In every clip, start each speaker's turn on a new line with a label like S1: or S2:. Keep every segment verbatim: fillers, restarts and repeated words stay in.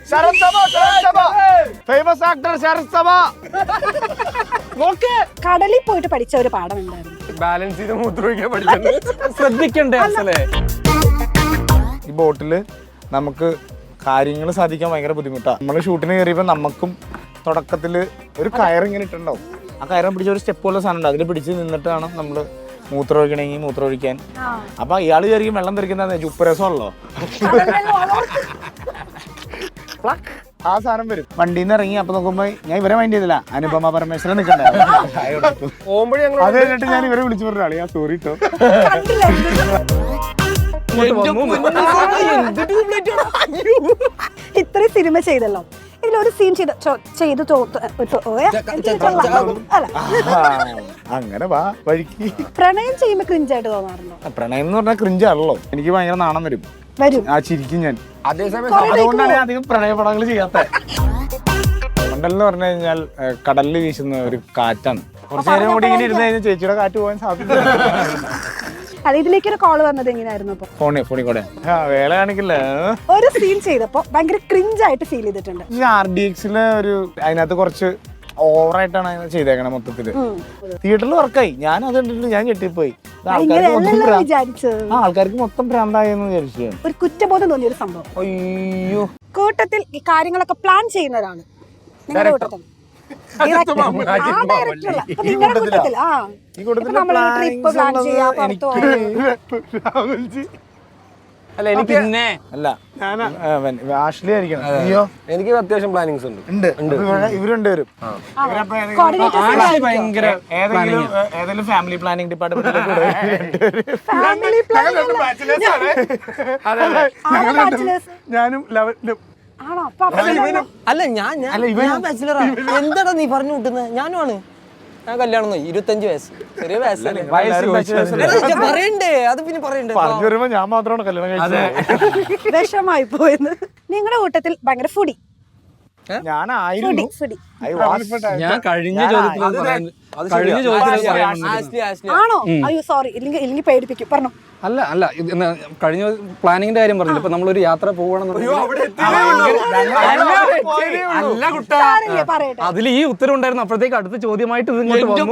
S1: ശരത് സഭ, ശരത് സഭ. Famous actor Sarath സഭ.
S2: കടലിൽ പോയിട്ട് പഠിച്ച ഒരു പാഠം എന്തായിരുന്നു?
S3: ബാലൻസ് ചെയ്ത് മൂത്രമൊഴിക്കാൻ പഠിക്കുന്നത് ശ്രദ്ധിക്കണ്ടേ അസലേ.
S1: ഈ ബോട്ടില് നമുക്ക് കാര്യങ്ങൾ സാധിക്കാൻ ഭയങ്കര ബുദ്ധിമുട്ടാണ്. നമ്മൾ ഷൂട്ടിന് കയറിയപ്പോൾ നമുക്കും തുടക്കത്തിൽ ഒരു കയറിങ്ങനെ ഇട്ടുണ്ടാവും. ആ കയറും പിടിച്ച ഒരു സ്റ്റെപ്പ് പോലെ സാധനം ഉണ്ട്, അതിൽ പിടിച്ച് നിന്നിട്ടാണ് നമ്മൾ മൂത്രം ഒഴിക്കണമെങ്കിൽ മൂത്രം ഒഴിക്കാൻ. അപ്പൊ ഇയാൾ കയറിയും വെള്ളം തെറിക്കുന്ന ഉപ്പുരസമല്ലോ, ആ സാധനം വരും. വണ്ടിയിൽ നിന്ന് ഇറങ്ങി അപ്പൊ നോക്കുമ്പോ ഞാൻ ഇവരെ മൈൻഡ് ചെയ്തില്ല, അനുപമ പരമേശ്വരൻ നിൽക്കണ്ടേ. അത് കഴിഞ്ഞിട്ട് ഞാൻ ഇവരെ വിളിച്ചു പറഞ്ഞ ആളി ഞാൻ സോറി കേട്ടോ.
S2: ഇത്രയും സിനിമ ചെയ്തല്ലോ, ഇതിലൊരു സീൻ ചെയ്ത് ചെയ്തു
S1: അങ്ങനെ വാ വഴിക്ക്.
S2: പ്രണയം ചെയ്യുമ്പോ ക്രിഞ്ചായിട്ട് തോന്നാറുണ്ടോ?
S1: പ്രണയം എന്ന് പറഞ്ഞാൽ ക്രിഞ്ചാണല്ലോ, എനിക്ക് ഭയങ്കര നാണം വരും
S2: വരും
S1: ആ ചിരിക്കും ഞാൻ.
S3: അതേസമയം
S1: അതുകൊണ്ടാണ് ഞാൻ അധികം പ്രണയപടങ്ങൾ ചെയ്യാത്ത. മണ്ടലെന്ന് പറഞ്ഞു കഴിഞ്ഞാൽ കടലിൽ വീശുന്ന ഒരു കാറ്റാണ്. കുറച്ചു നേരം കൂടി ഇങ്ങനെ ഇരുന്ന് കഴിഞ്ഞാൽ ചേച്ചിയുടെ കാറ്റ് പോകാൻ സാധ്യത.
S2: അല്ല, ഇതിലേക്ക് ഒരു കോള് വന്നത് എങ്ങനെയായിരുന്നു? അപ്പൊ
S1: ഫോണി ഫോണി കൂടെ വേല കാണിക്കില്ല.
S2: ഒരു സീൻ ചെയ്തപ്പോ ഭയങ്കര ക്രിഞ്ചായിട്ട് ഫീൽ ചെയ്തിട്ടുണ്ട്.
S1: ഈ ആർ ഡി എക്സിലെ ഒരു അതിനകത്ത് കുറച്ച് ഓവറായിട്ടാണ് അതിനെ ചെയ്തേക്കണേ. മൊത്തത്തില് തിയേറ്ററിൽ വർക്കായി, ഞാൻ അത് കണ്ടിട്ട് ഞാൻ ഞെട്ടിപ്പോയി. ആൾക്കാർക്ക് മൊത്തം ഭ്രാന്തായെന്ന് വിചാരിച്ചു.
S2: ഒരു കുറ്റബോധം തോന്നിയ ഒരു സംഭവം.
S1: അയ്യോ,
S2: കൂട്ടത്തിൽ ഈ കാര്യങ്ങളൊക്കെ പ്ലാൻ ചെയ്യുന്നതാണ് നിങ്ങളുടെ കൂട്ടത്തിൽ.
S3: അല്ല എനിക്ക്
S1: അല്ല ആഷ്ലി ആയിരിക്കണം. അയ്യോ,
S3: എനിക്ക് അത്യാവശ്യം പ്ലാനിങ്സ് ഉണ്ട്.
S1: ഇവരുണ്ട് വരും. ഏതെങ്കിലും ഏതെങ്കിലും ഫാമിലി പ്ലാനിങ് ഡിപ്പാർട്ട്മെന്റിലേക്ക് ഞാനും
S4: അല്ല ഞാൻ എന്താടാ നീ പറഞ്ഞു കൂട്ടുന്നത്? ഞാനുമാണ്. ഞാൻ കല്യാണം ഇരുപത്തഞ്ച് വയസ്സ്, ചെറിയ വയസ്സല്ലേ. പറയണ്ടേ, അത് പിന്നെ പറയണ്ടേ.
S1: പറഞ്ഞു വരുമ്പോ ഞാൻ മാത്രമാണ് കല്യാണം കഴിച്ചത്.
S2: വിഷമായി പോയെന്ന്. നിങ്ങളുടെ കൂട്ടത്തിൽ ഭയങ്കര ഫുഡി
S1: ഞാനായിരുന്നു.
S5: ഞാൻ കഴിഞ്ഞ ചോദ്യത്തിൽ കഴിഞ്ഞ ചോദ്യത്തിൽ
S2: ആണോ? അയ്യോ സോറി, ഇല്ലെങ്കിൽ ഇല്ലെങ്കിൽ പേടിപ്പിക്കും. പറഞ്ഞു.
S5: അല്ല അല്ല കഴിഞ്ഞ പ്ലാനിങ്ങിന്റെ കാര്യം പറഞ്ഞില്ല. ഇപ്പൊ നമ്മളൊരു യാത്ര പോകണമെന്നുണ്ടെങ്കിൽ അതിൽ ഈ ഉത്തരം ഉണ്ടായിരുന്നു. അപ്പോഴത്തേക്ക് അടുത്ത ചോദ്യമായിട്ട് ഇത് ഇങ്ങോട്ട് വന്നു.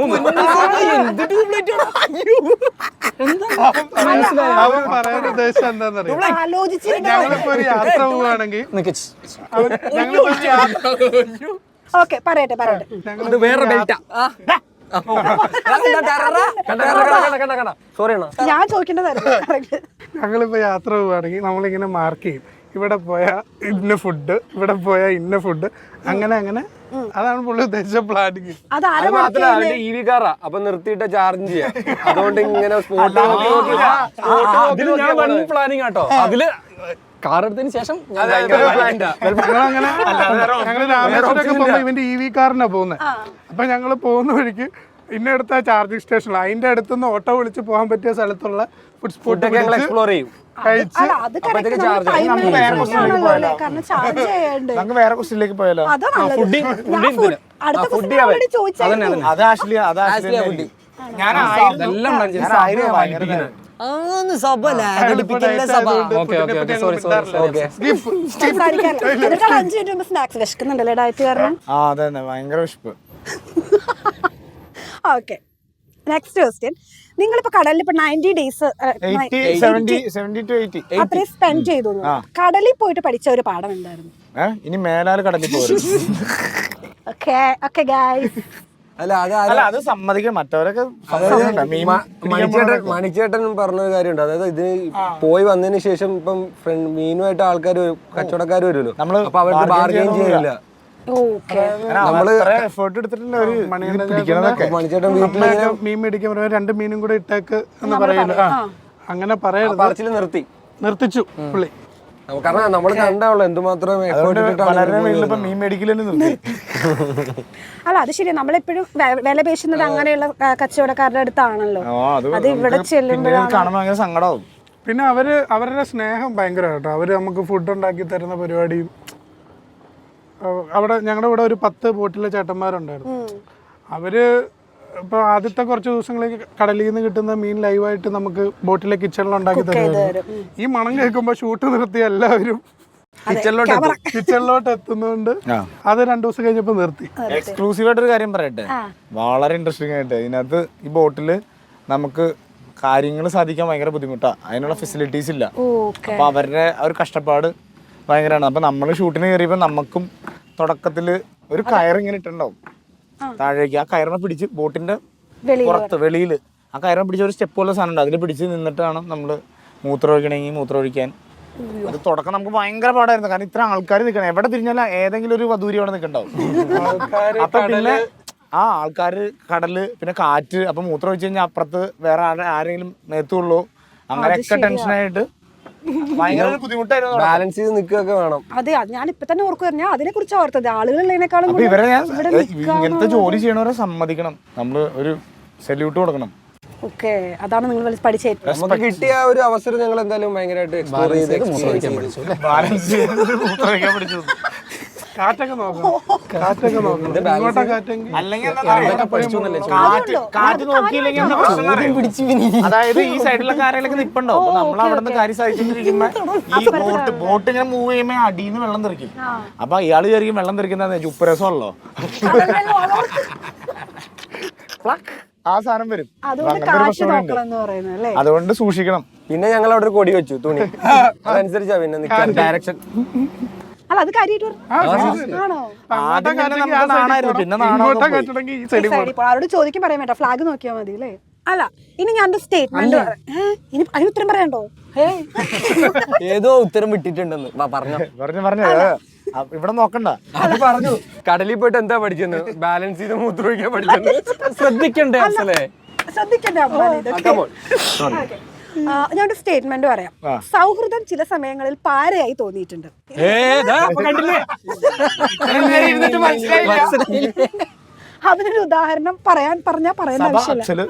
S6: പറയാൻ ഉദ്ദേശം എന്താണെന്നറിയാം, ഞങ്ങളിപ്പോ ഒരു യാത്ര പോവുകയാണെങ്കിൽ
S2: ഓക്കെ പറയട്ടെ പറയട്ടെ
S3: വേറെ ബെൽറ്റാ.
S2: ഞാൻ ചോദിക്കേണ്ടതായിരുന്നു.
S6: ഞങ്ങളിപ്പോ യാത്ര പോവുകയാണെങ്കിൽ നമ്മളിങ്ങനെ മാർക്ക് ചെയ്യും, ഇവിടെ പോയാ ഇന്ന ഫുഡ്, ഇവിടെ പോയാ ഇന്ന ഫുഡ്, അങ്ങനെ അങ്ങനെ. അതാണ് പുള്ളി ഉദ്ദേശിച്ച പ്ലാനിങ്.
S2: അത്
S3: മാത്രമല്ല ഇ വി കാറാ, അപ്പൊ നിർത്തിയിട്ട് ചാർജ് ചെയ്യാം. അതുകൊണ്ട് ഇങ്ങനെ
S5: പ്ലാനിങ് ആട്ടോ. അതില് കാർ എടുത്തതിന് ശേഷം
S6: ഞങ്ങളങ്ങനെ ഞങ്ങള് രാമേശ്വരമൊക്കെ പോകുമ്പോ ഇവന്റെ ഇ വി കാറിനാ പോകുന്നത്. അപ്പൊ ഞങ്ങള് പോകുന്ന വഴിക്ക് ഇന്നടുത്ത ചാർജിങ് സ്റ്റേഷനിൽ അതിന്റെ അടുത്തുനിന്ന് ഓട്ടോ വിളിച്ച് പോകാൻ പറ്റിയ സ്ഥലത്തുള്ള ഫുഡ് സ്പോട്ട്
S3: എക്സ്പ്ലോർ ചെയ്യും.
S6: കഴിച്ച്
S1: നമുക്ക് വേറെ ക്വസ്റ്റ്യനിലേക്ക് പോയാലോ? അത് ആഷ്ലി അത് ആഷ്ലി ഭയങ്കര വിശപ്പ്.
S2: Okay, next question. നിങ്ങളിപ്പോ കടലിൽ ഇപ്പൊ നയൻറ്റി ഡേയ്സ് അത്രയും സ്പെൻഡ് ചെയ്തു. കടലിൽ പോയിട്ട് പഠിച്ച ഒരു പാഠം എന്തായിരുന്നു?
S1: ഇനി മേലാൽ കടലിൽ പോരും.
S3: അല്ല
S1: അല്ല അത് സമ്മതിക്കണം. മറ്റവരൊക്കെ
S3: മണിച്ചേട്ടൻ പറഞ്ഞൊരു കാര്യമുണ്ട്. അതായത് ഇത് പോയി വന്നതിന് ശേഷം ഇപ്പം ഫ്രണ്ട് മീനുമായിട്ട് ആൾക്കാർ കച്ചവടക്കാർ വരുമല്ലോ, നമ്മള് അപ്പൊ അവർക്ക് ബാർഗെയിൻ ചെയ്യില്ല.
S6: നമ്മള് എഫേർട്ട് എടുത്തിട്ടുണ്ട്. ഒരു മണിച്ചേട്ടൻ വീട്ടില് മീൻ മേടിക്കാൻ പറയുമ്പോ രണ്ട് മീനും കൂടെ ഇട്ടേക്ക് എന്ന് പറയില്ല. അങ്ങനെ പറയരുത്.
S3: പറച്ചില് നിർത്തി
S6: നിർത്തിച്ചു പുള്ളി.
S3: കാരണം നമ്മൾ കണ്ടാവുള്ളൂ എന്തുമാത്രം
S1: മീൻ മേടിക്കലെന്ന്.
S2: അല്ല അത് ശരിയാ, നമ്മളെപ്പോഴും വില പേശുന്നത് അങ്ങനെയുള്ള കച്ചവടക്കാരുടെ അടുത്താണല്ലോ. അത് ഇവിടെ ചെല്ലുമ്പോഴാണ്
S1: സങ്കടവും.
S6: പിന്നെ അവര് അവരുടെ സ്നേഹം ഭയങ്കര കേട്ടോ. അവര് നമുക്ക് ഫുഡ് ഉണ്ടാക്കി തരുന്ന പരിപാടിയും. അവിടെ ഞങ്ങളുടെ ഇവിടെ ഒരു പത്ത് ബോട്ടിലെ ചേട്ടന്മാരുണ്ടായിരുന്നു. അവര് ഇപ്പൊ ആദ്യത്തെ കുറച്ച് ദിവസങ്ങളിൽ കടലിൽ നിന്ന് കിട്ടുന്ന മീൻ ലൈവായിട്ട് നമുക്ക് ബോട്ടിലെ കിച്ചണിൽ ഉണ്ടാക്കി തരുമായിരുന്നു. ഈ മണം കേൾക്കുമ്പോ ഷൂട്ട് നിർത്തി എല്ലാവരും
S3: കിച്ചണിലോട്ട്
S6: കിച്ചണിലോട്ട് എത്തുന്നതുകൊണ്ട് അത് രണ്ടു ദിവസം കഴിഞ്ഞപ്പോ നിർത്തി.
S1: എക്സ്ക്ലൂസീവ് ആയിട്ടൊരു കാര്യം പറയട്ടെ, വളരെ ഇൻട്രസ്റ്റിംഗ് ആയിട്ട് ഇതിനകത്ത് ഈ ബോട്ടില് നമുക്ക് കാര്യങ്ങൾ സാധിക്കാൻ ഭയങ്കര ബുദ്ധിമുട്ടാണ്, അതിനുള്ള ഫെസിലിറ്റീസ് ഇല്ല. അപ്പൊ അവരുടെ ആ ഒരു കഷ്ടപ്പാട് ഭയങ്കരമാണ്. അപ്പൊ നമ്മൾ ഷൂട്ടിന് കയറിയപ്പോൾ നമുക്കും തുടക്കത്തിൽ ഒരു കയറിങ്ങനെ ഇട്ടുണ്ടാവും താഴേക്ക്. ആ കയറിനെ പിടിച്ച് ബോട്ടിന്റെ പുറത്ത് വെളിയിൽ ആ കയറിനെ പിടിച്ച ഒരു സ്റ്റെപ്പ് പോലെ സാധനം ഉണ്ട്, അതിൽ പിടിച്ച് നിന്നിട്ടാണ് നമ്മൾ മൂത്രം ഒഴിക്കണമെങ്കിൽ മൂത്രം ഒഴിക്കാൻ. അത് തുടക്കം നമുക്ക് ഭയങ്കര പാടായിരുന്നു, കാരണം ഇത്ര ആൾക്കാർ നിൽക്കണം, എവിടെ തിരിഞ്ഞാലും ഏതെങ്കിലും ഒരു വധൂരി അവിടെ നിൽക്കണ്ടാവും. അപ്പൊ പിന്നെ ആ ആൾക്കാര്, കടല്, പിന്നെ കാറ്റ്, അപ്പൊ മൂത്രം ഒഴിച്ച് കഴിഞ്ഞാൽ അപ്പുറത്ത് വേറെ ആരെങ്കിലും മേത്തുള്ളൂ, അങ്ങനെയൊക്കെ ടെൻഷനായിട്ട് ഭയങ്കര ബുദ്ധിമുട്ടായിരുന്നു.
S3: ബാലൻസ് ചെയ്ത് നിൽക്കുകയൊക്കെ വേണം.
S2: അതെ, ഞാൻ ഇപ്പൊ തന്നെ ഓർക്കുവായിരുന്നു, ഞാൻ അതിനെ കുറിച്ച് ഓർത്തത് ആളുകളുള്ളതിനേക്കാളും.
S1: അപ്പൊ ഇവരെ ഞാൻ ഇങ്ങനത്തെ ജോലി ചെയ്യണവരെ സമ്മതിക്കണം, നമ്മള് ഒരു സല്യൂട്ട് കൊടുക്കണം.
S2: ഓക്കെ, അതാണ് നിങ്ങൾ പഠിച്ചത്.
S3: നമുക്ക് കിട്ടിയ ഒരു അവസരം ഞങ്ങൾ എന്തായാലും ഭയങ്കരമായിട്ട് എക്സ്പ്ലോർ ചെയ്ത്
S1: ബാലൻസ് ചെയ്ത് മൂത്രം ഒഴിക്കാൻ പഠിച്ചു.
S6: കാറ്റൊക്കെ നോക്കണം, കാറ്റൊക്കെ നോക്കണം. ഇങ്ങോട്ടാ കാറ്റെങ്കിൽ
S1: അല്ലെങ്കിൽ കാറ്റ് കാറ്റ് നോക്കിയില്ലെങ്കിൽ എന്താ പ്രശ്നം അറിയോ? അതായത് ഈ സൈഡിലൊക്കെ ആരെങ്കിലും നിപ്പുണ്ടോ, അപ്പൊ നമ്മൾ അവിടെ നിന്ന് കാര്യം സാധിച്ചിരിക്കുമ്പോ ഈ ബോട്ട് ബോട്ട് ഇങ്ങനെ മൂവ് ചെയ്യുമ്പോ അടിയിൽ വെള്ളം തെറിക്കും. അപ്പൊ ഇയാള് വിചാരിക്കും വെള്ളം തെറിക്കുന്ന ഉപ്പരസമല്ലോ, ആ സാധനം വരും. അതുകൊണ്ട് സൂക്ഷിക്കണം.
S3: പിന്നെ ഞങ്ങൾ അവിടെ ഒരു കൊടി വെച്ചു, തുണി, അതനുസരിച്ചാ പിന്നെ നിൽക്കാൻ ഡയറക്ഷൻ.
S2: അല്ല, അത് കാര്യമായിട്ട് അവരോട് ചോദിക്കാൻ പറയാൻ വേണ്ട, ഫ്ലാഗ് നോക്കിയാൽ മതി അല്ലേ? അല്ല, ഇനി ഞാൻ സ്റ്റേറ്റ്മെന്റ് ഇനി അതിന് ഉത്തരം പറയണ്ടോ?
S4: ഏതോ ഉത്തരം വിട്ടിട്ടുണ്ടെന്ന് പറഞ്ഞു
S1: പറഞ്ഞു പറഞ്ഞു ഇവിടെ നോക്കണ്ട.
S3: അത് പറഞ്ഞു കടലിൽ പോയിട്ട് എന്താ പഠിച്ചെന്ന്, ബാലൻസ് ചെയ്ത് മൂത്രമൊഴിക്കാൻ പഠിച്ചെന്ന്.
S4: ശ്രദ്ധിക്കണ്ടേ അസലേ?
S2: ശ്രദ്ധിക്കണ്ടേ? ഞാനൊരു സ്റ്റേറ്റ്മെന്റ് പറയാം. സൗഹൃദം ചില സമയങ്ങളിൽ പാരയായി തോന്നിയിട്ടുണ്ട്. അതിനൊരു ഉദാഹരണം പറയാൻ പറഞ്ഞാ പറയുന്ന ആവശ്യമില്ല.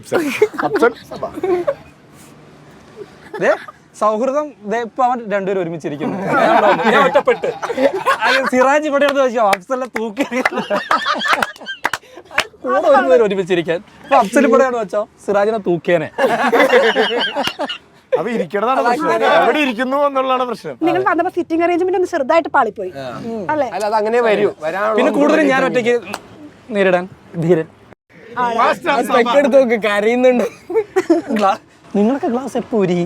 S5: സൗഹൃദം ഇപ്പൊ അവൻ രണ്ടുപേരും ഒരുമിച്ചിരിക്കുന്നു, ഒറ്റപ്പെട്ട്. സിറാജ് ഇവിടെ അഫ്സലെ തൂക്കി ഒരുമിച്ചിരിക്കാൻ. അഫ്സൽ ഇവിടെയാണ് വെച്ചോ സിറാജിനെ തൂക്കിയേനെ.
S1: അപ്പൊ ഇരിക്കണതാണ് പ്രശ്നം, എവിടെ ഇരിക്കുന്നു എന്നുള്ളതാണ് പ്രശ്നം.
S2: നിങ്ങൾ വന്നപ്പോ സിറ്റിംഗ് അറേഞ്ച്മെന്റ് ഒന്ന് ചെറുതായിട്ട് പാളിപ്പോയി അല്ലേ?
S3: അല്ല, അത് അങ്ങനെ വരൂ.
S5: പിന്നെ കൂടുതലും ഞാൻ ഒറ്റയ്ക്ക് നേരിടാൻ ധീരൻ.
S3: എടുത്ത് നോക്ക്, കരയുന്നുണ്ട്.
S5: നിങ്ങളൊക്കെ ഗ്ലാസ് എപ്പോ ഊരി?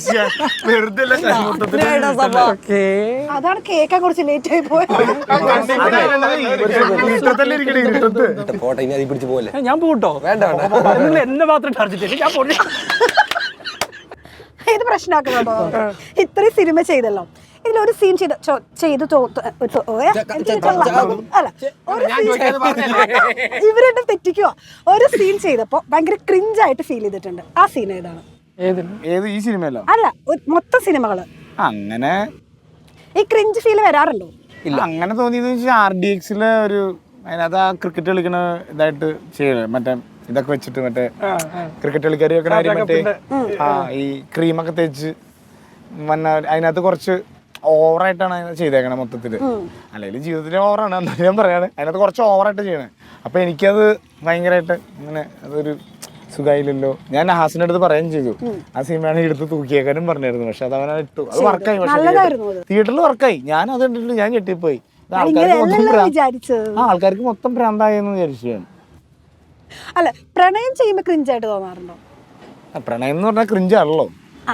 S2: അതാണ് കേൾക്കാൻ കുറച്ച് ലേറ്റ് ആയി പോയത്.
S3: പോട്ടെ, ഇനി അതിൽ പിടിച്ച് പോലെ.
S5: ഞാൻ പോട്ടോ?
S3: വേണ്ട,
S5: നിങ്ങൾ എന്നെ മാത്രം ടാർജറ്റ് ഞാൻ പോട്ടെ.
S2: ഇത് പ്രശ്നമാക്കണോ? ഇത്രയും സിനിമ ചെയ്തല്ലോ, ഇതിലൊരു സീൻ ചെയ്ത് ചെയ്ത് അല്ല ഇവരെന്നെ തെറ്റിക്കുവാ. ഒരു സീൻ ചെയ്തപ്പോ ഭയങ്കര ക്രിഞ്ചായിട്ട് ഫീൽ ചെയ്തിട്ടുണ്ട്. ആ സീൻ ഏതാണ്?
S1: ഏത്? ഈ സിനിമയല്ലോ?
S2: അല്ല, മൊത്തം സിനിമകള്
S1: അങ്ങനെ
S2: ഈ ക്രിഞ്ച് ഫീൽ വരാറുണ്ടോ?
S1: ഇല്ല, അങ്ങനെ തോന്നിയത് വെച്ചാൽ ആർ ഡി എക്സിലെ ഒരു അതിനകത്ത് ആ ക്രിക്കറ്റ് കളിക്കണ ഇതായിട്ട് ചെയ്യണേ, മറ്റേ ഇതൊക്കെ വെച്ചിട്ട് മറ്റേ ക്രിക്കറ്റ് കളിക്കാർ വെക്കണ കാര്യം, മറ്റേ ആ ഈ ക്രീമൊക്കെ തേച്ച് വന്ന അതിനകത്ത് കുറച്ച് ഓവറായിട്ടാണ് അതിനകത്ത് ചെയ്തേക്കണേ മൊത്തത്തില്. അല്ലെങ്കിൽ ജീവിതത്തിലെ ഓവറാണ് എന്നാലും ഞാൻ പറയാണ്, അതിനകത്ത് കുറച്ച് ഓവറായിട്ട് ചെയ്യണേ. അപ്പൊ എനിക്കത് ഭയങ്കരമായിട്ട് ഇങ്ങനെ അതൊരു സുഖമായില്ലല്ലോ. ഞാൻ നഹാസിന്റെ അടുത്ത് പറയുകയും ചെയ്തു, ആ സിനിമയാണ് എടുത്ത് തൂക്കിയേക്കാനും പറഞ്ഞായിരുന്നു. പക്ഷെ അത് അവനെ ഇട്ടു, അത് വർക്കായി. പക്ഷെ തിയേറ്ററിൽ വർക്കായി. ഞാൻ അത് കണ്ടിട്ട് ഞാൻ ഞെട്ടിപ്പോയി. ആൾക്കാർക്ക് മൊത്തം ഭ്രാന്തായെന്ന് വിചാരിച്ചു ഞാൻ.
S2: അല്ല, പ്രണയം ചെയ്യുമ്പോ ക്രിഞ്ചായിട്ട് തോന്നാറുണ്ടോ?
S1: പ്രണയം എന്ന് പറഞ്ഞാൽ ക്രിഞ്ചാണല്ലോ,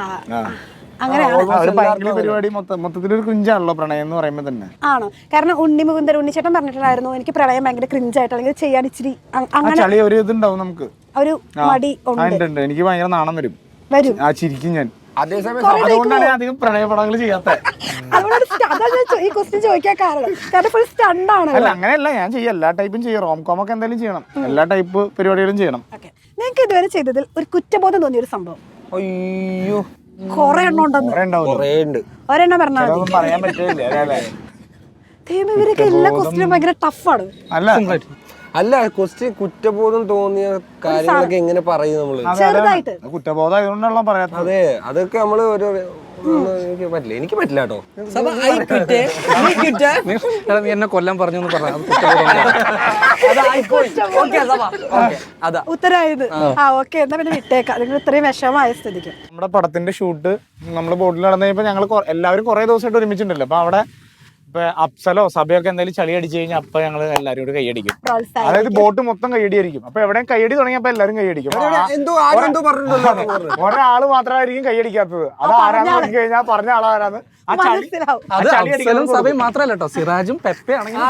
S1: പരിപാടി മൊത്തത്തിലൊരു ക്രിഞ്ചാണല്ലോ പ്രണയം എന്ന് പറയുമ്പോ തന്നെ.
S2: ആണോ? കാരണം ഉണ്ണി മുകുന്ദൻ ഉണ്ണിച്ചേട്ടൻ പറഞ്ഞിട്ടുണ്ടായിരുന്നു, എനിക്ക് പ്രണയം ഭയങ്കര ക്രിഞ്ചായിട്ട് അല്ലെങ്കിൽ ചെയ്യാൻ ഇച്ചിരി
S1: ചളി ഒരു ഇതുണ്ടാവും, നമുക്ക്
S2: ഒരു മടി ഉണ്ട്.
S1: എനിക്ക് ഭയങ്കര നാണം വരും
S2: വരും
S1: ആ ചിരിക്കും ഞാൻ. അതുകൊണ്ടാണ് ഞാൻ അധികം പ്രണയപടങ്ങൾ ചെയ്യാത്ത.
S2: ഈ ക്വസ്റ്റ്യൻ ചോദിക്കാൻ കാരണം കാരണം ഫുൾ സ്റ്റണ്ട് ആണ്.
S1: അല്ല, അങ്ങനെയല്ല, ഞാൻ ചെയ്യും, എല്ലാ ടൈപ്പും ചെയ്യും. റോം കോം ഒക്കെ എന്തായാലും ചെയ്യണം, എല്ലാ ടൈപ്പ് പരിപാടികളും ചെയ്യണം.
S2: നിങ്ങൾക്ക് ഇതുവരെ ചെയ്തതിൽ ഒരു കുറ്റബോധം തോന്നിയ ഒരു സംഭവം?
S3: അയ്യോ,
S2: കൊറേ എണ്ണം ഉണ്ടെന്ന് ഒരെണ്ണം പറഞ്ഞാൽ
S1: പറയാൻ പറ്റില്ല.
S2: ഇവരൊക്കെ എല്ലാ ക്വസ്റ്റ്യനും ഭയങ്കര ടഫാണ്.
S1: അല്ല
S3: അല്ല ക്വസ്റ്റ്യൻ കുറ്റബോധം തോന്നിയ കാര്യങ്ങളൊക്കെ എങ്ങനെ പറയും നമ്മള്?
S2: ചെറുതായിട്ട്
S1: കുറ്റബോധം ആയതുകൊണ്ടാണല്ലോ പറയാത്തത്.
S3: അതെ, അതൊക്കെ നമ്മള് ഒരു എനിക്ക് പറ്റില്ല എനിക്ക് പറ്റില്ല കേട്ടോ.
S4: സഭ ഐ ക്വിറ്റ് ഐ ക്വിറ്റ്
S5: നീ എടാ, നീ എന്നെ കൊല്ലാൻ പറഞ്ഞു എന്ന് പറഞ്ഞു അത് കുറ്റബോധം.
S4: അതായിപ്പോയി. ഓക്കേ സഭ ഓക്കേ അതാ
S2: ഉത്തരായത് ആ ഓക്കെ എന്നാ പിന്നെ വിട്ടേക്കാം നിങ്ങൾ ഇത്രയും വിഷമമായ സ്ഥിതിക്ക്.
S1: നമ്മുടെ പടത്തിന്റെ ഷൂട്ട് നമ്മൾ ബോട്ടിൽ നടന്നു കഴിഞ്ഞപ്പോൾ ഞങ്ങൾ എല്ലാവരും കുറെ ദിവസമായിട്ട് ഒരുമിച്ചിട്ടുണ്ടല്ലോ. അപ്പൊ അവിടെ ഇപ്പൊ അപ്സലോ സഭയൊക്കെ എന്തെങ്കിലും ചളി അടിച്ചു കഴിഞ്ഞാൽ അപ്പൊ ഞങ്ങൾ എല്ലാവരും കൂടി കൈയടിക്കും. അതായത് ബോട്ട് മൊത്തം കൈയടിയായിരിക്കും. അപ്പൊ എവിടെയും കൈയടി തുടങ്ങിയപ്പോ എല്ലാവരും കൈയടിക്കും.
S3: എന്തോ ആരും എന്തോ പറഞ്ഞിട്ടുണ്ടല്ലോ.
S1: ഒരാള് മാത്രമായിരിക്കും കൈയടിക്കാത്തത്. അത് ആരാന്ന് നോക്കി കഴിഞ്ഞാൽ പറഞ്ഞ ആളാരാന്ന് ആ ചളി
S2: മനസ്സിലാവും.
S5: അത് അഫ്സലും സഭയും മാത്രല്ല കേട്ടോ, സിറാജും പെപ്പെ ആണെങ്കിൽ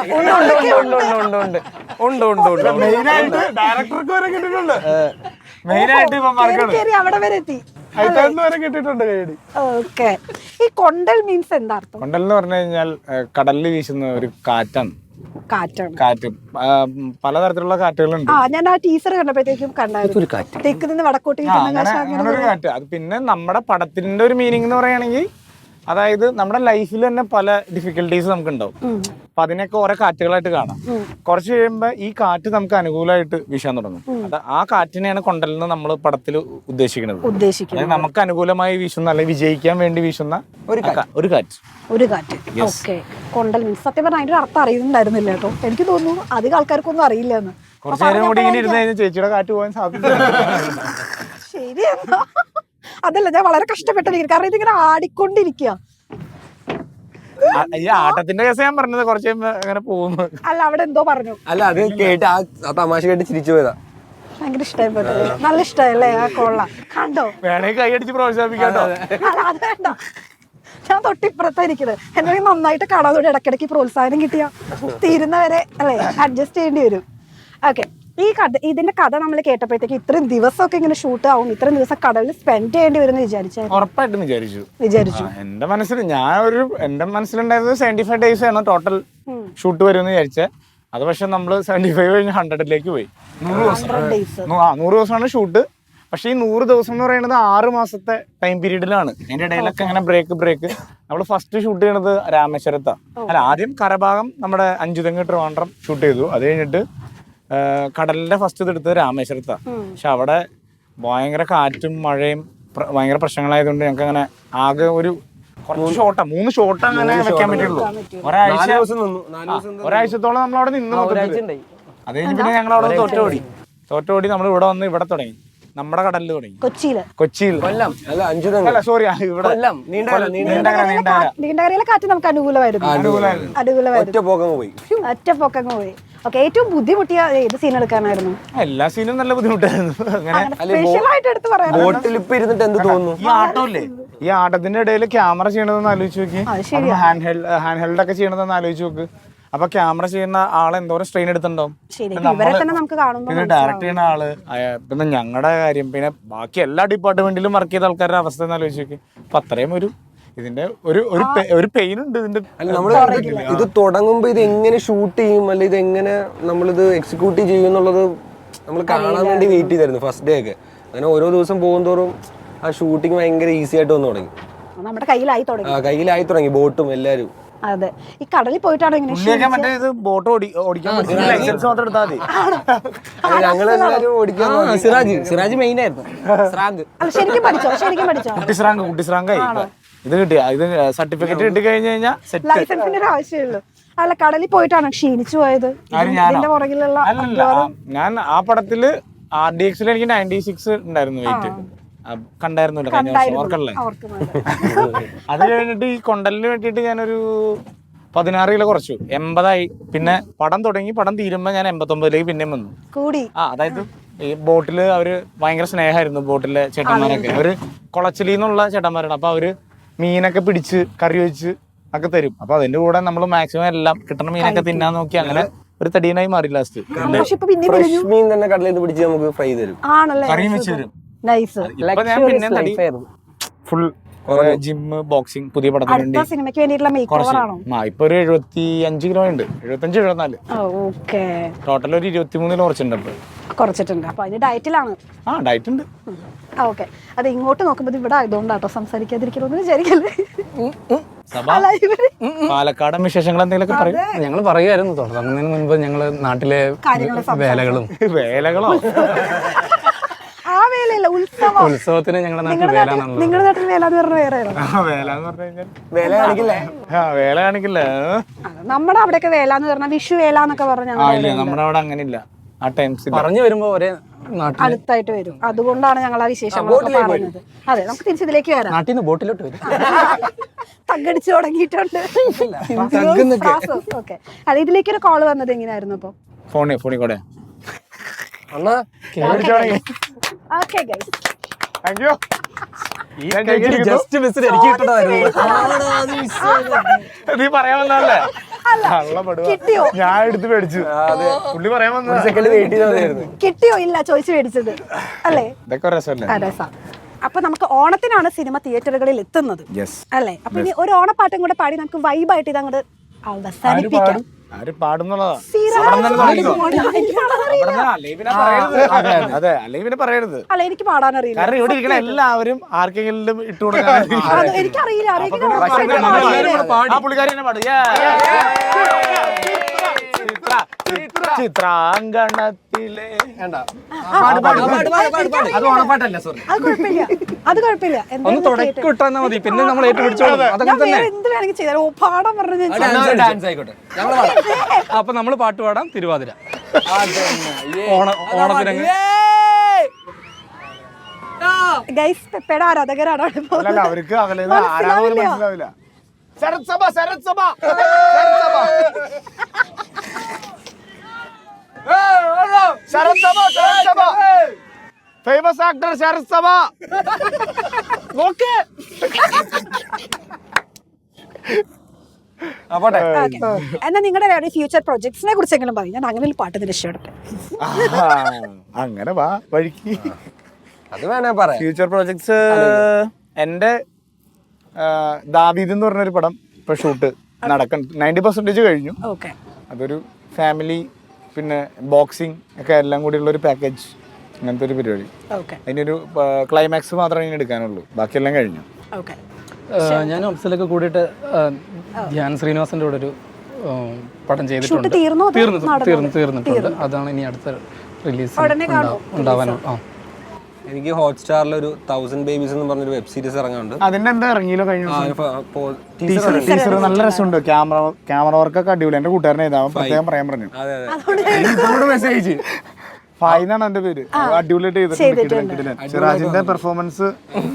S1: മെയിനായിട്ട് ഡയറക്ടർക്ക് വരെ കിട്ടിയിട്ടുണ്ട്. മെയിനായിട്ട് ഇപ്പൊ മറക്കണം
S2: കേറി അവിടെ വരെ എത്തി.
S6: അയത്താന്ന് വരെ കിട്ടിയിട്ടുണ്ട് കൈയടി.
S2: ഓക്കെ. ഈ കൊണ്ടൽ മീൻസ് എന്താ അർത്ഥം?
S1: കൊണ്ടൽ എന്ന് പറഞ്ഞു കഴിഞ്ഞാൽ കടലിൽ വീശുന്ന ഒരു കാറ്റാണ്.
S2: കാറ്റാണ്.
S1: കാറ്റ് ആ, പലതരത്തിലുള്ള കാറ്റുകളുണ്ട്.
S2: ആ ഞാൻ ആ ടീച്ചർ കണ്ടപ്പോഴത്തേക്കും കണ്ടായിരുന്നു. തെക്ക് നിന്ന് വടക്കോട്ട് കിട്ടുന്ന
S1: അങ്ങനെ
S2: കാശ്
S1: അങ്ങനെ ഒരു കാറ്റ്. അത് പിന്നെ നമ്മുടെ പടത്തിന്റെ ഒരു മീനിങ് എന്ന് പറയുകയാണെങ്കിൽ അതായത് നമ്മുടെ ലൈഫിൽ തന്നെ പല ഡിഫിക്കൽട്ടീസ് നമുക്ക് ഉണ്ടാവും. അപ്പൊ അതിനൊക്കെ ഓരോ കാറ്റുകളായിട്ട് കാണാം. കുറച്ച് കഴിയുമ്പോ ഈ കാറ്റ് നമുക്ക് അനുകൂലമായിട്ട് വീശാൻ തുടങ്ങും. അത് ആ കാറ്റിനെയാണ് കൊണ്ടലെന്ന് നമ്മൾ പടത്തിൽ ഉദ്ദേശിക്കുന്നത്.
S2: ഉദ്ദേശിക്കുന്നത്
S1: അതായത് നമുക്ക് അനുകൂലമായി വീശുന്ന അല്ലെങ്കിൽ വിജയിക്കാൻ വേണ്ടി വീശുന്ന ഒരു കാ- ഒരു കാറ്റ്.
S2: ഒരു കാറ്റ്. ഓക്കെ. കൊണ്ടൽ മീൻസ് സത്യം പറഞ്ഞാൽ അതിന്റെ അർത്ഥം അറിയുന്നുണ്ടായിരുന്നില്ല കേട്ടോ. എനിക്ക് തോന്നുന്നു അധികം ആൾക്കാർക്കൊന്നും അറിയില്ല എന്ന്.
S1: കുറച്ചു നേരം കൂടി ഇങ്ങനെ ഇരുന്ന് കഴിഞ്ഞാൽ ചേച്ചിയുടെ കാറ്റ് പോകാൻ സാധ്യത.
S2: ശരിയെന്നാ. അതല്ല ഞാൻ വളരെ കഷ്ടപ്പെട്ടിരിക്കുന്നു കാരണം ഇതിങ്ങനെ ആടിക്കൊണ്ടിരിക്കുക.
S1: ഈ ആട്ടത്തിന്റെ കേസ് ഞാൻ പറഞ്ഞത് കുറച്ച് കഴിയുമ്പോ അങ്ങനെ പോകുന്നു.
S2: അല്ല അവിടെ എന്തോ പറഞ്ഞു.
S3: അല്ല അത് കേട്ട് ആ ആ തമാശ കേട്ട് ചിരിച്ചു പോയതാ.
S2: ഭയങ്കര ഇഷ്ടമായി പോയത്. നല്ല ഇഷ്ടമല്ലേ ആ കൊള്ള കണ്ടോ.
S1: വേണമെങ്കിൽ കൈയടിച്ച് പ്രോത്സാഹിപ്പിക്കാട്ടോ.
S2: അല്ല അത് വേണ്ട. ഞാൻ തൊട്ടിപ്പുറത്തായിരിക്കുന്നത്. എന്തെങ്കിലും നന്നായിട്ട് കാണാതെ ഇടയ്ക്കിടയ്ക്ക് പ്രോത്സാഹനം കിട്ടിയ തീരുന്നവരെ അല്ലേ അഡ്ജസ്റ്റ് ചെയ്യേണ്ടി വരും. ഓക്കെ. ഈ കഥ ഇതിന്റെ കഥ നമ്മൾ കേട്ടപ്പോഴത്തേക്ക് ഇത്രയും ദിവസമൊക്കെ ഇങ്ങനെ ഷൂട്ട് ആവും, ഇത്രയും ദിവസം കടലിൽ സ്പെൻഡ് ചെയ്യേണ്ടി വരും എന്ന് വിചാരിച്ചായിരുന്നു.
S1: ഉറപ്പായിട്ടും വിചാരിച്ചു
S2: വിചാരിച്ചു
S1: ആ, എന്റെ മനസ്സിൽ ഞാൻ ഒരു എന്റെ മനസ്സിലുണ്ടായിരുന്നത് സെവന്റി ഫൈവ് ഡേയ്സ് ആണ് ടോട്ടൽ ഷൂട്ട് വരുമെന്ന് വിചാരിച്ചത്. അത് പക്ഷെ നമ്മള് സെവന്റി ഫൈവ് കഴിഞ്ഞ് ഹൺഡ്രഡിലേക്ക് പോയി. നൂറ് ദിവസം
S2: ഡേയ്സ്.
S1: ആ നൂറ് ദിവസമാണ് ഷൂട്ട്. പക്ഷെ ഈ നൂറ് ദിവസം എന്ന് പറയുന്നത് ആറ് മാസത്തെ ടൈം പീരീഡിലാണ്. അതിന്റെ ഇടയിലൊക്കെ അങ്ങനെ ബ്രേക്ക് ബ്രേക്ക് നമ്മൾ ഫസ്റ്റ് ഷൂട്ട് ചെയ്യണത് രാമേശ്വരത്താ. അല്ല ആദ്യം കരഭാഗം നമ്മുടെ അഞ്ചുതെങ്ങ് ട്രിവാൻഡ്രം ഷൂട്ട് ചെയ്തു. അത് കഴിഞ്ഞിട്ട് കടലിന്റെ ഫസ്റ്റ് എടുത്ത് രാമേശ്വരത്താ. പക്ഷെ അവിടെ ഭയങ്കര കാറ്റും മഴയും ഭയങ്കര പ്രശ്നങ്ങളായതുകൊണ്ട് ഞങ്ങൾക്ക് അങ്ങനെ ആകെ ഒരു കുറച്ച് ഷോട്ടാ മൂന്ന് ഷോട്ട് അങ്ങനെ വെക്കാൻ പറ്റുള്ളൂ. ഒരാഴ്ച ഒരാഴ്ചത്തോളം നമ്മൾ അവിടെ നിന്ന് അത് കഴിഞ്ഞ് പിന്നെ ഞങ്ങൾ അവിടെ തോറ്റോടി തോറ്റോടി നമ്മൾ ഇവിടെ വന്ന് ഇവിടെ തുടങ്ങി നമ്മുടെ കടലിൽ തുടങ്ങി
S2: കൊച്ചിയില്.
S1: കൊച്ചിയിൽ
S3: കൊല്ലം അല്ല അഞ്ചു
S1: അല്ല സോറി ഇവിടെ
S3: നീണ്ടകര
S1: നീണ്ടകര നീണ്ടകര
S2: നീണ്ടകരയിലെ കാറ്റ് നമുക്ക് അനുകൂലമായിരുന്നു. അനുകൂലമായിരുന്നു.
S3: ഒറ്റ പോക്കങ്ങ് പോയി.
S2: ഒറ്റ പൊക്കങ്ങ് പോയി. ഓക്കെ. ഏറ്റവും ബുദ്ധിമുട്ടിയ ഏത് സീൻ എടുക്കാനായിരുന്നു?
S1: എല്ലാ സീനും നല്ല ബുദ്ധിമുട്ടായിരുന്നു. അങ്ങനെ
S2: സ്പെഷ്യൽ ആയിട്ട് എടുത്ത് പറയാം.
S3: ബോട്ടിൽ ഇപ്പൊ ഇരുന്നിട്ട് എന്ത് തോന്നുന്നു?
S1: ഈ ആട്ടമില്ലേ ഈ ആട്ടത്തിന്റെ ഇടയിൽ ക്യാമറ ചെയ്യണതെന്ന് ആലോചിച്ച് നോക്കി. ഹാൻഡ് ഹെൽഡ് ഹാൻഡ് ഹെൽഡ് ഒക്കെ ചെയ്യണതെന്ന് ആലോചിച്ച് നോക്ക്. അപ്പൊ ക്യാമറ ചെയ്യുന്ന ആളെ എന്തോരം സ്ട്രെയിൻ എടുത്തിട്ടുണ്ടാവും. പിന്നെ ഡയറക്ട് ചെയ്യുന്ന ആള് പിന്നെ ഞങ്ങളുടെ കാര്യം പിന്നെ ബാക്കി എല്ലാ ഡിപ്പാർട്ട്മെന്റിലും വർക്ക് ചെയ്ത ആൾക്കാരുടെ അവസ്ഥ എന്ന് ആലോചിച്ച് നോക്കി. അപ്പൊ അത്രയും ഒരു ഇതിന്റെ ഒരു ഒരു പെയിൻ ഉണ്ട് ഇതിന്റെ.
S3: അല്ല നമ്മള് ഇത് തുടങ്ങുമ്പോ ഇത് എങ്ങനെ ഷൂട്ട് ചെയ്യും അല്ലെ ഇത് എങ്ങനെ നമ്മളിത് എക്സിക്യൂട്ട് ചെയ്യും എന്നുള്ളത് നമ്മൾ കാണാൻ വേണ്ടി വെയിറ്റ് ചെയ്തായിരുന്നു ഫസ്റ്റ് ഡേ ഒക്കെ. അങ്ങനെ ഓരോ ദിവസം പോകും തോറും ആ ഷൂട്ടിങ് ഭയങ്കര ഈസി ആയിട്ട് വന്നു തുടങ്ങി.
S2: നമ്മുടെ കയ്യിലായി തുടങ്ങി.
S3: ആ കയ്യിലായി തുടങ്ങി ബോട്ടും എല്ലാരും.
S2: അതെ. ഈ കടലിൽ പോയിട്ടാണ് ഇങ്ങനെ
S1: മറ്റേ ഇത് ബോട്ട് ഓടിക്കാൻ പറ്റും ലൈസൻസ് മാത്രം എടുത്താൽ മതി.
S3: ഞങ്ങളെല്ലാരും ഓടിക്കാൻ
S4: സിറാജ് സിറാജ് മെയിൻ ആയിരുന്നു. സ്രാങ്ക്
S2: അല്ല ശരിക്കും പഠിച്ചോ? ശരിക്കും പഠിച്ചോ?
S1: കുട്ടിസ്രാങ്ക് കുട്ടിസ്രാങ്കായി ഇത് കിട്ടിയ ഇത് സർട്ടിഫിക്കറ്റ് കിട്ടി കഴിഞ്ഞു കഴിഞ്ഞാൽ സെറ്റ്.
S2: ലൈസൻസിന്റെ ഒരു ആവശ്യമുള്ളൂ. അല്ല കടലിൽ പോയിട്ടാണ് ക്ഷീണിച്ചു പോയത്. ഇതിന്റെ പുറകിലുള്ള
S1: അല്ലല്ല ഞാൻ ആ പടത്തില് ആർ ഡി എക്സിൽ എനിക്ക് നയൻറ്റി സിക്സ് ഉണ്ടായിരുന്നു വെയിറ്റ്. കണ്ടായിരുന്നില്ല കഴിഞ്ഞ വർഷം ഓർക്കല്ലേ. അത് കഴിഞ്ഞിട്ട് ഈ കൊണ്ടലിന് വേണ്ടിയിട്ട് ഞാനൊരു പതിനാറ് കിലോ കുറച്ചു എൺപതായി. പിന്നെ പടം തുടങ്ങി പടം തീരുമ്പോ ഞാൻ എൺപത്തൊമ്പതിലേക്ക് പിന്നെയും വന്നു
S2: കൂടി.
S1: ആ അതായത് ഈ ബോട്ടില് അവര് ഭയങ്കര സ്നേഹമായിരുന്നു ബോട്ടിലെ ചേട്ടന്മാരൊക്കെ. അവര് കുളച്ചിലിന്നുള്ള ചേട്ടന്മാരാണ്. അപ്പൊ അവര് മീനൊക്കെ പിടിച്ച് കറി വെച്ച് ഒക്കെ തരും. അപ്പൊ അതിന്റെ കൂടെ നമ്മൾ മാക്സിമം എല്ലാം കിട്ടുന്ന മീനൊക്കെ തിന്നാൻ നോക്കി അങ്ങനെ ഒരു തടീനായി മാറി ലാസ്റ്റ്.
S3: ഫ്രഷ് മീൻ തന്നെ കടലിൽ നിന്ന് പിടിച്ച് നമുക്ക് ഫ്രൈ തരും.
S2: ആണല്ലേ?
S1: കറിയും വെച്ച് തരും.
S2: നൈസ്.
S1: ഇപ്പൊ ഞാൻ പിന്നെ തടി ഫുൾ ജിമ്മ് ബോക്സിംഗ് പുതിയ പടത്തിന് വേണ്ടി
S2: അടുത്ത സിനിമയ്ക്ക് വേണ്ടിയിട്ടുള്ള മേക്ക് ഓവർ ആണോ?
S1: ആ ഇപ്പൊ ഒരു എഴുപത്തി അഞ്ച് കിലോ ഉണ്ട്. എഴുപത്തഞ്ച് എഴുപത്തിനാല്
S2: ഓക്കെ.
S1: ടോട്ടൽ ഒരു ഇരുപത്തി മൂന്ന് കിലോ കുറച്ചുണ്ട്. ഇപ്പൊ
S2: കുറച്ചിട്ടുണ്ട്. അപ്പൊ അതിന് ഡയറ്റിലാണ്.
S1: ആ ഡയറ്റ് ഉണ്ട്.
S2: ഓക്കെ. അത് ഇങ്ങോട്ട് നോക്കുമ്പോ ഇവിടെ ആയതുകൊണ്ടാട്ടോ സംസാരിക്കാതിരിക്കണമെന്ന് വിചാരിക്കല്ലേ.
S1: പാലക്കാടൻ വിശേഷങ്ങൾ എന്തെങ്കിലുമൊക്കെ പറയും.
S5: ഞങ്ങൾ പറയുമായിരുന്നു തുടങ്ങുന്നതിന് മുൻപ് ഞങ്ങള് നാട്ടിലെ വേലകളും
S1: വേലകളോ
S2: ആ ഇല്ല ഇല്ല ഉത്സവം.
S5: ഉത്സവത്തിന് ഞങ്ങളുടെ നാട്ടിൽ
S2: നിങ്ങളുടെ നാട്ടിൽ
S5: വേലാണുള്ളത്.
S2: നിങ്ങളുടെ നാട്ടിൽ വേല എന്ന് പറഞ്ഞ വേറെ ആണോ?
S1: ആ വേല എന്ന് പറഞ്ഞു കഴിഞ്ഞാൽ
S3: വില കാണിക്കില്ലേ?
S1: ആ വേല കാണിക്കില്ല.
S2: അതെ, നമ്മുടെ അവിടെയൊക്കെ വേല എന്ന് പറഞ്ഞാൽ വിഷു വേല എന്നൊക്കെ പറഞ്ഞ
S1: ആ ഇല്ല നമ്മുടെ അവിടെ അങ്ങനെ ഇല്ല. ആ ടൈംസ്
S5: പറഞ്ഞു വരുമ്പോ ഒരേ നാട്ടിൽ
S2: അടുത്തായിട്ട് വരും. അതുകൊണ്ടാണ് ഞങ്ങൾ ആ വിശേഷങ്ങളൊക്കെ പറയുന്നത്. അതെ, നമുക്ക് തിരിച്ചിതിലേക്ക് വരാം.
S5: നാട്ടിൽ നിന്ന് ബോട്ടിലോട്ട് വരും.
S2: തగ్గടിച്ച് തുടങ്ങിയിട്ടുണ്ട്. ഓക്കെ, അല്ല ഇതിലേക്ക് ഒരു കോള് വന്നത് എങ്ങനെയായിരുന്നു അപ്പൊ?
S1: ഫോണി ഫോണി കൂടെ
S3: അണ്ണാ
S2: okay guys,
S1: thank you.
S5: Just മിസ്സിൽ എനിക്ക് കിട്ടണമായിരുന്നു.
S1: നീ പറയാൻ വന്നല്ലേ?
S2: കിട്ടിയോ?
S1: ഞാൻ എടുത്ത് മേടിച്ചു. പുള്ളി പറയാൻ വന്ന
S3: സെക്കൻഡ് വെയിറ്റ് ചെയ്തായിരുന്നു.
S2: കിട്ടിയോ? ഇല്ല, ചോദിച്ചു മേടിച്ചത് അല്ലേ?
S1: ഇതൊക്കെ രസമല്ലേ?
S2: അതെ സാർ. അപ്പൊ നമുക്ക് ഓണത്തിനാണ് സിനിമ തിയേറ്ററുകളിൽ എത്തുന്നത്
S1: യെസ്.
S2: അല്ലേ? അപ്പൊ ഇനി ഒരു ഓണപ്പാട്ടും കൂടെ പാടി നമുക്ക് വൈബായിട്ട് ഇത് അങ്ങോട്ട് അവസാനിപ്പിക്കാം.
S1: ആര് പാടുന്നുള്ളതാ? അതെ, അല്ലെങ്കിൽ പിന്നെ പറയരുത്.
S2: അല്ല, എനിക്ക് പാടാനറിയില്ല.
S1: കാരണം ഇവിടെ ഇരിക്കണ എല്ലാവരും ആർക്കെങ്കിലും ഇട്ടു കൊടുക്കാൻ
S2: അത് എനിക്കറിയില്ല. ആരെങ്കിലും
S1: ആ പുള്ളിക്കാരി തന്നെ പാടും. ചിത്രാങ്കണത്തിലെ
S5: അത് ഓണപ്പാട്ടല്ല, സോറി.
S2: അത് കുഴപ്പമില്ല, അത് കുഴപ്പമില്ല.
S5: ഒന്ന് തുടക്കം ഇട്ടാൽ മതി, പിന്നെ നമ്മൾ ഏറ്റുപിടിച്ചോളൂ. അതൊക്കെ തന്നെ.
S2: എന്ത് വേണമെങ്കിൽ ചെയ്താൽ ഓ പാടാൻ പറഞ്ഞു.
S3: ഡാൻസ് ആയിക്കോട്ടെ.
S5: അപ്പൊ നമ്മള് പാട്ട് പാടാം, തിരുവാതിര. ഓണ ഓണത്തിനങ്ങ്
S2: ഗൈസ് പെപ്പയുടെ ആരാധകരാണ് അവിടെ പോകുന്നത്.
S1: അല്ലല്ല, അവർക്ക് അകലേന്ന് ആരാധന മനസ്സിലാവില്ല. ശരത് സഭ ശരത് സഭ ശരത് സഭ ശരത് സഭ famous actor Sarath Sabha. Okay
S3: അപ്പോട്ടെ.
S2: എന്നാ നിങ്ങളുടെ ഫ്യൂച്ചർ പ്രൊജക്ട്സിനെ കുറിച്ചെങ്കിലും പറയും. ഞാൻ അങ്ങനെ ഒരു പാട്ടിന് രക്ഷപ്പെടട്ടെ.
S1: അങ്ങനെ വാ വഴിക്ക്.
S3: അത് വേണേ പറയാം.
S1: ഫ്യൂച്ചർ പ്രോജക്ട്സ് എൻ്റെ ദാവീദ് എന്ന് പറഞ്ഞൊരു പടം ഇപ്പൊ ഷൂട്ട് നടക്കണം. നയൻറ്റി പെർസെൻറ്റേജ് കഴിഞ്ഞു.
S2: ഓക്കെ,
S1: അതൊരു ഫാമിലി പിന്നെ ബോക്സിങ് ഒക്കെ എല്ലാം കൂടിയുള്ള ഒരു പാക്കേജ്, അങ്ങനത്തെ ഒരു പരിപാടി.
S2: ഓക്കെ,
S1: അതിനൊരു ക്ലൈമാക്സ് മാത്രമേ ഇനി എടുക്കാനുള്ളൂ, ബാക്കിയെല്ലാം കഴിഞ്ഞു.
S2: ഓക്കെ.
S5: ഞാൻ അഫ്സലൊക്കെ കൂടിയിട്ട് ധ്യാൻ ശ്രീനിവാസന്റെ കൂടെ ഒരു പടം ചെയ്തിട്ടുണ്ട്.
S2: ഷൂട്ട് തീർന്നോ?
S5: തീർന്നു തീർന്നു തീർന്നിട്ടുണ്ട്. അതാണ് ഇനി അടുത്ത റിലീസ്
S2: ഉടനെ കാണുമോ?
S5: ഉണ്ടാവാനോ? ആ,
S3: എനിക്ക് ഹോട്ട്സ്റ്റാറിൽ ഒരു തൗസൻഡ് ബേബീസ് എന്ന് പറഞ്ഞൊരു വെബ് സീരീസ് ഇറങ്ങാനുണ്ട്.
S1: അതിന്റെ എന്താ ഇറങ്ങിയല്ലോ കഴിഞ്ഞ
S3: ടീച്ചർ
S1: ടീച്ചർ നല്ല രസമുണ്ട്. ക്യാമറ ക്യാമറ വർക്കൊക്കെ അടിപൊളി. എന്റെ കൂട്ടുകാരനെ ഇതാ പ്രത്യേകം പറയാൻ പറഞ്ഞു.
S3: അതെ അതെ
S1: മെസ്സേജ് ഫായ് എന്നാണ് എന്റെ പേര്. അടിപൊളിയായിട്ട് ചെയ്തിട്ടുണ്ട്. സിറാജിന്റെ പെർഫോമൻസ്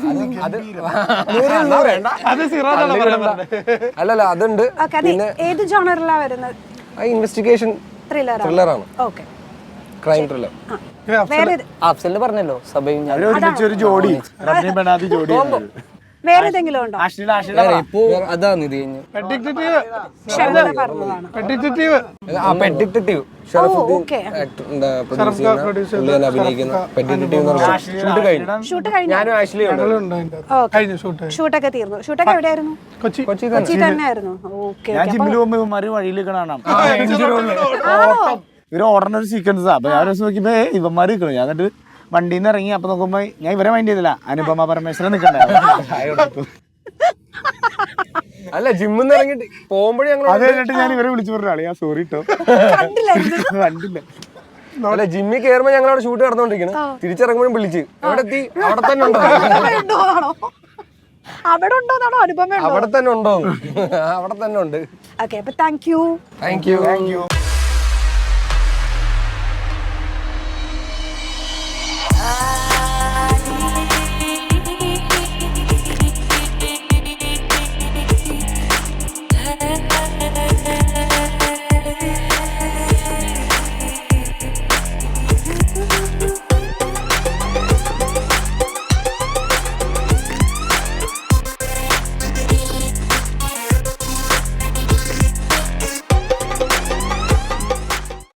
S1: അത് സിറാജ്
S3: അല്ലല്ല അതുണ്ട്.
S2: പിന്നെ ഏത് ജോണറിലാണ് വരുന്നത്?
S3: Investigation
S2: thriller.
S3: ത്രില്ലറാണ്,
S2: ഓക്കെ.
S3: Crime thriller.
S2: വേറെ
S4: അഫ്സലിന് പറഞ്ഞല്ലോ സഭയും ഞാൻ
S1: ഒരുമിച്ച് ഒരു ജോഡി റബ്ബി ബനാദി ജോഡി.
S2: വേറെ ഏതെങ്കിലും ഉണ്ടോ?
S1: ആഷില ആഷില
S4: ഇപ്പോ അതാണ് ഇത് കഴിഞ്ഞ്
S2: ഷെർല പറഞ്ഞതാണ്.
S3: ആ പെറ്റ് ഡിറ്റക്റ്റീവ് ഷറഫുദ്ദീൻ ആക്ടർ എന്താ പ്രൊഡ്യൂസ് ചെയ്യുന്ന അഭിനയിക്കുന്ന പെറ്റ് ഡിറ്റക്റ്റീവ് എന്ന് പറഞ്ഞ ഷൂട്ട് കഴിഞ്ഞു.
S2: ഷൂട്ട് കഴിഞ്ഞു.
S3: ഞാനും ആഷ്ലിയും ഉണ്ട്.
S2: ഷൂട്ടൊക്കെ തീർന്നു. ഷൂട്ടൊക്കെ എവിടെയായിരുന്നു?
S3: കൊച്ചി
S2: കൊച്ചി തന്നെയായിരുന്നു. ഓക്കെ.
S1: ഞാൻ ജിമ്മിൽ പോകുമ്പോ ഇവന്മാര് വഴിയിൽ കാണാം. ഇവര് ഓടണ ഒരു സീക്വൻസാ. അപ്പൊ ഞാൻ ഒരു ദിവസം നോക്കിയപ്പോ ഇവന്മാര് നിൽക്കണം. ഞാൻ എന്നിട്ട് വണ്ടിയിൽ നിന്ന് ഇറങ്ങി. അപ്പൊ നോക്കുമ്പോ ഞാൻ ഇവരെ മൈൻഡ് ചെയ്തില്ല. അനുപമ പരമേശ്വരൻ നിൽക്കണ്ടായിരുന്നു.
S3: അല്ല ജിമ്മിൽ നിന്ന് ഇറങ്ങിട്ട് പോകുമ്പോഴേ ഞങ്ങൾ
S1: അത് കഴിഞ്ഞിട്ട് ഞാൻ ഇവരെ വിളിച്ചു പറഞ്ഞ ആളെ ഞാൻ സോറി ഇട്ടോ കണ്ടില്ല.
S3: അല്ല ജിമ്മിൽ കയറുമ്പോ ഞങ്ങൾ അവിടെ ഷൂട്ട് നടന്നുകൊണ്ടിരിക്കണം. തിരിച്ചിറങ്ങുമ്പോഴും വിളിച്ച് അവിടെ എത്തി. അവിടെ തന്നെ ഉണ്ടോ?
S2: അവിടെ ഉണ്ടോന്നാണോ? അനുപമ
S3: അവിടെ തന്നെ ഉണ്ടോ? അവിടെ തന്നെ ഉണ്ട്.
S2: ഓക്കെ, അപ്പൊ thank you.
S3: Thank you.
S1: Thank U.